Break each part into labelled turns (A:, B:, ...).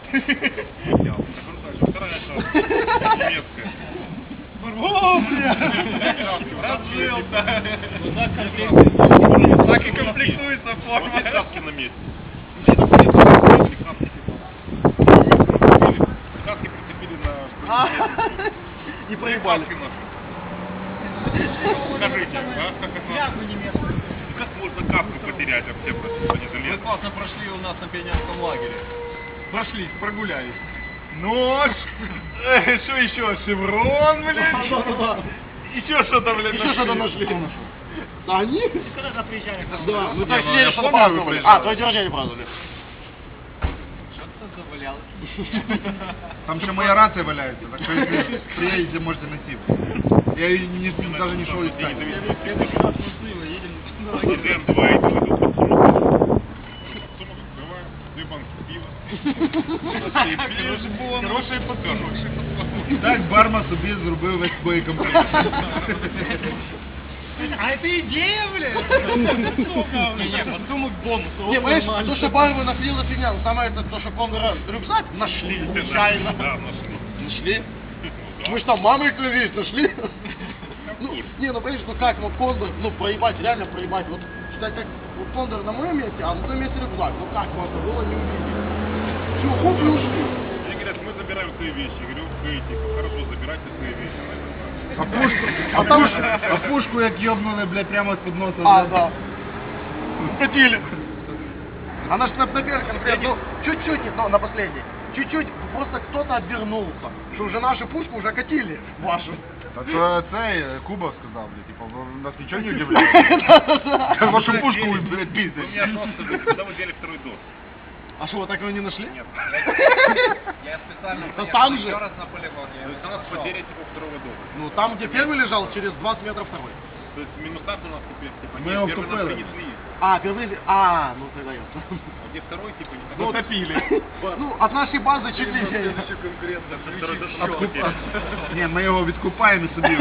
A: Вторая немецкая.
B: О, бля! Так и комплектуется форма.
A: Краски на месте. Краски прицепили на...
B: И проебали.
A: Скажите, как можно капку потерять вообще, просто не залез?
B: Мы классно прошли у нас на пионерском лагере. Прошлись, прогулялись. Нож! Что еще? Шеврон, блядь? Еще что-то, блядь,
C: Еще что-то нашли. А они?
B: Когда приезжали?
C: Да, мы так
A: ну,
C: сидели,
A: я
C: что
A: помню,
C: праздновали.
A: вы приезжали.
C: А, твой день рождения праздновали.
B: Что-то завалялось.
D: Там еще моя рация валяется, так что если приедете, можете найти. Я ее даже не шел искать.
A: Едем два, иду под сумок. Сумок открываю, 2 банки пива.
B: Хороший подсумок.
D: І так барма собі зробив весь боєкомплект.
B: А это идея, блядь? Не, подсумок бонус.
C: Не, понимаешь, то, что Барбу нашли, за фигня. Но самое это, то, что Кондора рюкзак нашли, нечаянно.
A: Да, нашли.
C: Нашли? Мы ж там мамой клялись, нашли. Ну, не, ну понимаешь, ну как, ну Кондор, ну проебать, реально проебать. Вот, считай, как вот Кондор на моем месте, а на том месте рюкзак. Ну как можно было не увидеть? Все, хоп, и ушли.
A: Они говорят, мы забираем свои вещи. Я говорю, окей, типа, хорошо, забирайте свои вещи.
D: А пушку як ёбнули, блядь, прямо з-під носа.
C: А,
D: блядь.
C: да. Схватили. Она ж на первый конкретно, ну, чуть-чуть, но на последней. Чуть-чуть, просто кто-то обернулся. Что уже нашу пушку уже катили, вашу.
D: А то цей Кубов сказав, блядь, типа, нас ничего не удивляет. Вашу пушку, блядь,
A: Вы меня
D: пиздят.
A: просто, когда вы делали второй дос?
C: А что, вы так его не нашли?
A: Нет.
B: Я специально
C: Да там же.
B: еще раз на полигон.
A: То есть у нас потеря типа второго дома.
C: Ну, там, где первый лежал, через 20 метров второй.
A: То есть минусах у нас теперь, типа,
D: Мы его
A: нет, первый нас
D: купили.
A: принесли.
C: А, первый, ну тогда ясно.
A: А где второй, типа, не
C: Ну,
A: топили.
C: Ну, от нашей базы чуть ли не.
A: Второй дос
D: Откупа... Ні, ми його відкупаємо і собі.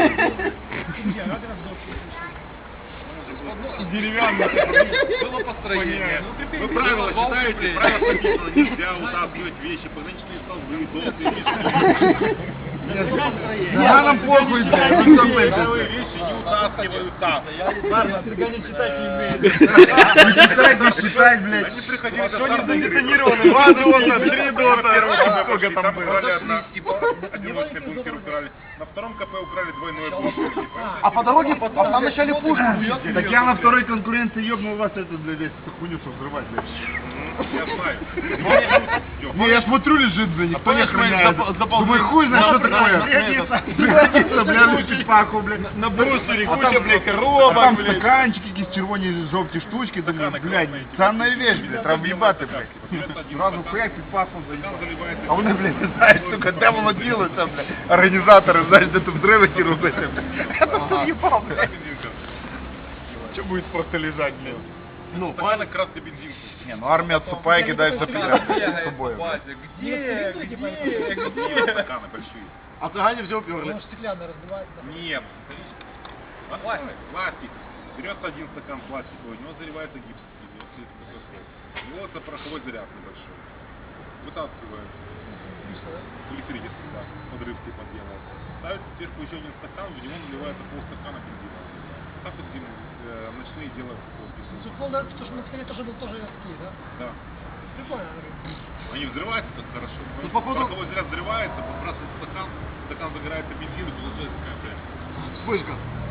A: Деревянный.
B: Было построение.
A: Вы правила читаете, правила написано, нельзя утаскивать вещи, пограничные столбы, долгие
D: Я нам похуй, блядь, ну
A: Вещи
D: там
A: вещи не утаскиваются.
C: Ладно, Сергей не читать не умеет.
D: не читать, блядь.
A: Они приходили
D: Что
A: за
D: не
A: задетонированы?
D: 2 дота, 3 дота.
A: Сколько там было? Одиночный бункер украли. На втором КП украли двойной бункер.
C: А по дороге, а там вначале пушку.
D: Так я на второй конкуренции ёбнул вас этот, блядь, весь эту хуйню, чтобы взрывать, блядь.
A: Я знаю.
D: Не, я смотрю, лежит, блядь, никто не охраняет. Думаю, хуй знает, что такое. Пригодится, бля, лучше паху, блядь.
B: На брустере
D: А
B: куча,
D: там,
B: блядь,
D: а
B: коробок,
D: там
B: блядь.
D: стаканчики, якісь червоні жовті штучки, думаю, блядь, цінна вещь, блядь, треба в'їбати, блядь. Зразу хуяк під пахом заїбати. А вони, блядь, не знають, сука, де воно ділося, блядь. Організатори, знаєш, де тут взриви ті робити, блядь. Я тут заїбав, блядь.
A: Что будет просто лежать, блядь?
C: Ну,
A: Правильно, красный бензин.
D: Не, ну армия отступая кидается подряд с собой.
A: Где? Стаканы большие.
C: а цыгане все уперли.
A: Нет. Пластик. Берется один стакан пластиковый, у него заливается гипс. Вводится пороховой заряд небольшой. Вытаскивают. Электрический, да. Подрыв типа делает. Ставится сверху еще один стакан, в него наливается полстакана бензина. Так вот ночные делают.
E: Потому что на скорее тоже такие, да?
A: Да.
E: Прикольно.
A: Они взрываются так хорошо.
C: Ну, походу-
A: Пороховой заряд взрывается, подбрасывает стакан, стакан загорается бензин и получается такая, блядь.
C: Вспышка.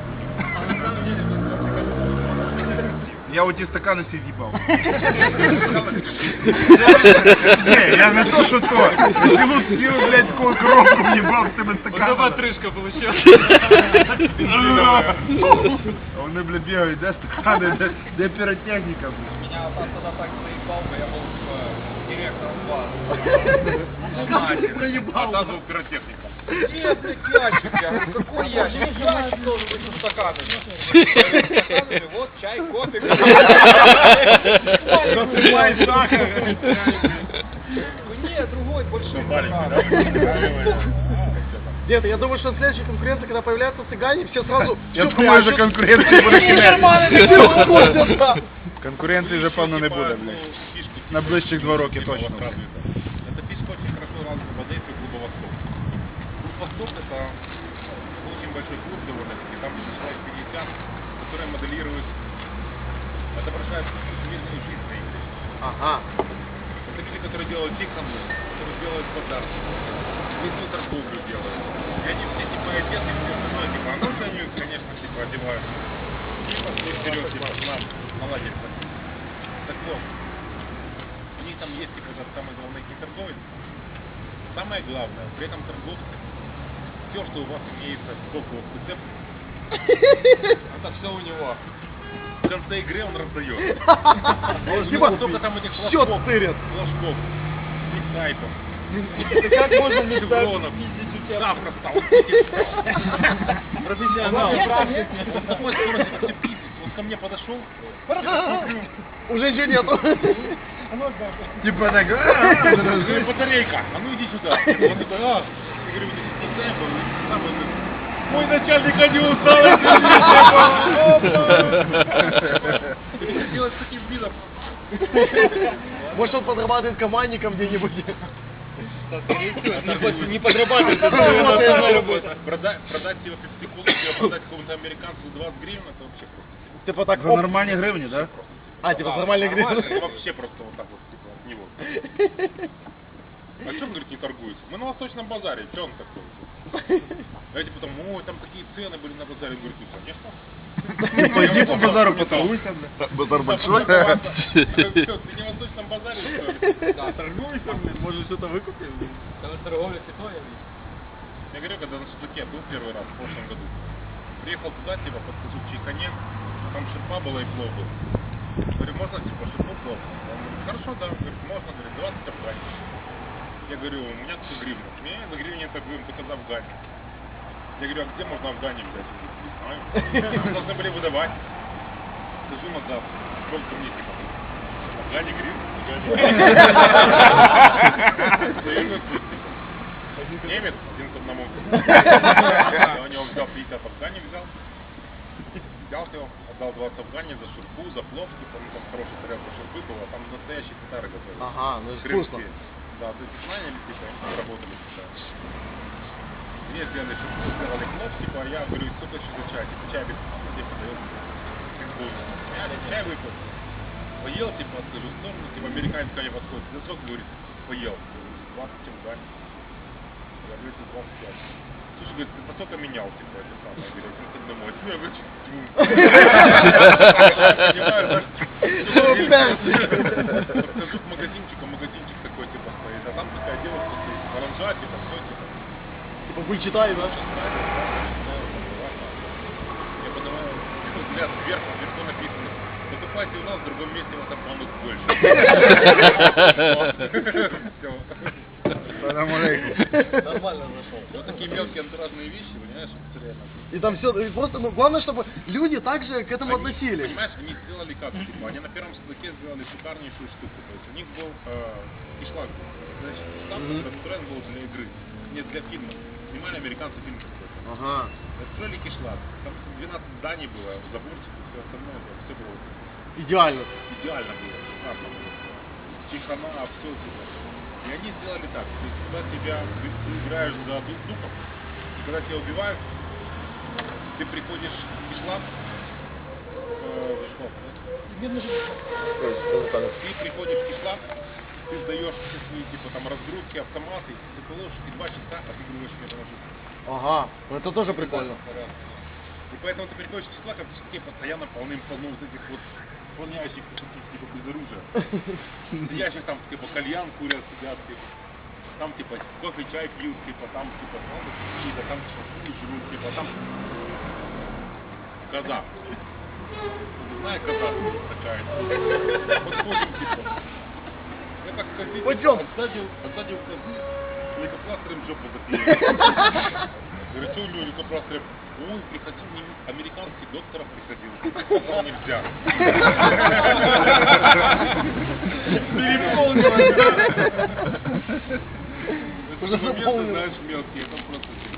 D: Я у ті стакани всі з'їбав. Не, я не то, що то. Цілу, блядь, таку коробку в'їбав з цими стаканами.
B: Отрыжка получилась.
D: А вони, блядь, бігають, де стакани, де піротехніка, блядь.
B: Меня отец тогда так заебал, бы я был директором бара.
C: Проебал.
A: А там пиротехника.
B: Нет, блядь, ящик, я говорю, какой ящик? Ящик должен быть со стаканами. Стаканами, вот чай, кофе.
A: Насыпай сахар.
B: Нет, другой, большой стакан.
C: Нет, я думаю, что следующая конкуренция, когда появляются цыгане, все сразу...
D: Я
C: всё
D: думаю, що
C: прячут.
D: конкуренції буде
C: Нормально,
D: кінець.
C: все выходят, да.
D: Конкуренції вже, певно, не буде, блядь. На ближчих 2 роки точно.
A: Это фишка очень назывался в Одессе клуба «Восток». Клуб «Восток» — это очень большой клуб довольно-таки, там человек 50, которые моделируют, отображают мирную жизнь на игре.
C: Ага.
A: Это люди, которые делают тихону, которые делают подарки, местную торговлю делают. И они все типа одеты, все остальное, типа, а ну же они, конечно, типа одевают. И пошли вперед, типа, к нам, молодец. Так вот, у них там есть, типа, этот самый главный торговец. Самое главное, при этом торговцы, все, что у вас имеется сбоку рецепта, это все у него. В конце игры он раздает.
C: Типа,
A: Сколько там этих
C: всё тырят.
A: флажков, миксайпов,
B: Как можно
A: шевронов, завтра стал, профессионал, практик. Вот такой скорости все пиздец. Он ко мне подошел,
C: Уже ничего нету.
D: Типа так,
A: говорю, батарейка, а ну иди сюда. Он такой, я говорю, вот эти миксайпы, самый мой начальник один устал, делать с таким видом.
C: Может, он подрабатывает командником где-нибудь.
B: Не подрабатывает,
A: Продать его пепсиколу, продать какому-то американцу 20 гривен, это вообще просто.
C: Типа так,
D: За нормальные гривни, да?
C: типа нормальный гриб.
A: Вообще просто вот так вот, типа, от него. А что он, говорит, не торгуется? Мы на Восточном базаре, что он такой? А эти потом, ой, там такие цены были на базаре. Он говорит, ну, конечно.
D: Пойди по базару поторгуйся, бля. Базар большой.
A: Ты не на Восточном базаре, что ли?
B: Да, торгуйся, блин, может что-то выкупим. Когда торговля святое.
A: Я говорю, когда на Шашлыке был первый раз, в прошлом году. Приехал туда, типа, подхожу к Чайхане, там шерпа была и плов был. Говорю, можно, типа, шерпу плов? Он говорит, хорошо, да. Говорит, можно, говорит, 20 афгани. Я говорю, у меня 100 гривен. Не, за гривен торгуем, только за афгани. Я говорю, а где можно афгани взять? Он говорит, не знаю. Нам должны были выдавать. Скажу на завтра. Сколько мне, типа, афгани гривен? Немец, один к одному. Я у него взял 50 афгани, взял его, отдал 20 афгани за шурпу, за плов, типа, ну там хорошая тарелка шурпы была, там настоящие татары готовили.
C: Ага, ну это вкусно.
A: Да, то есть знаете, типа, они работали всегда. Мне сделали шурпу, сделали плов, типа, а я говорю, сколько еще за чай? Типа, чай без вкуса, типа, дает как бонус. Я чай выпил. Поел, типа, отхожу в сторону, типа, американец ко мне подходит. За сколько, говорит, поел? 20 афгани. Я говорю, 25. Слушай, говорит, ты настолько менял, типа, это самое, говорит, это домой. Я говорю, тьфу. Понимаешь, подхожу к магазинчик такой, типа, стоит, а там такая девушка стоит, оранжа, типа, все, типа.
C: Типа вычитай, да?
A: Я поднимаю взгляд вверх, наверху написано, покупайте у нас, в другом месте вас обманут больше. Все.
B: Нормально зашел.
A: Вот такие мелкие антуражные вещи, понимаешь, это реально.
C: И там все, просто, ну, главное, чтобы люди также к этому
A: Они,
C: относились.
A: понимаешь, они сделали как, типа, они на первом судаке сделали шикарнейшую штуку. То есть у них был кишлак, значит, штаб, который настроен был для игры, не для фильма. Снимали американцы фильм какой-то.
C: Ага.
A: Настроили кишлак, там 12 зданий было, заборчик и все остальное, все было
C: Идеально.
A: идеально было, шикарно было. Чайхана, все типа. И они сделали так, то есть когда ты играешь за духов, и когда тебя убивают, ты приходишь в кишлак, ты приходишь в кишлак, ты сдаешь все свои типа там разгрузки, автоматы, ты положишь и 2 часа отыгрываешь металложит.
C: Ага, ну это тоже прикольно.
A: И поэтому ты приходишь в кишлак, а в кишлаке постоянно полным-полно вот этих вот исполняющих таких типа без оружия. Сидящих там типа кальян курят, сидят, типа. Там типа кофе, чай пьют, типа там типа какие-то там шашлыки живут, типа там коза. Не знаю, коза такая. Подходим, типа. Я так ходил,
C: Пойдем.
A: отсадил у козы, лейкопластырем жопу заклеил. Говорю, что у него лейкопластырем? Ой, приходил американский доктор приходил. Сказал, нельзя.
C: Уже
A: Моменты,
C: заполнил.
A: знаешь, мелкие, там просто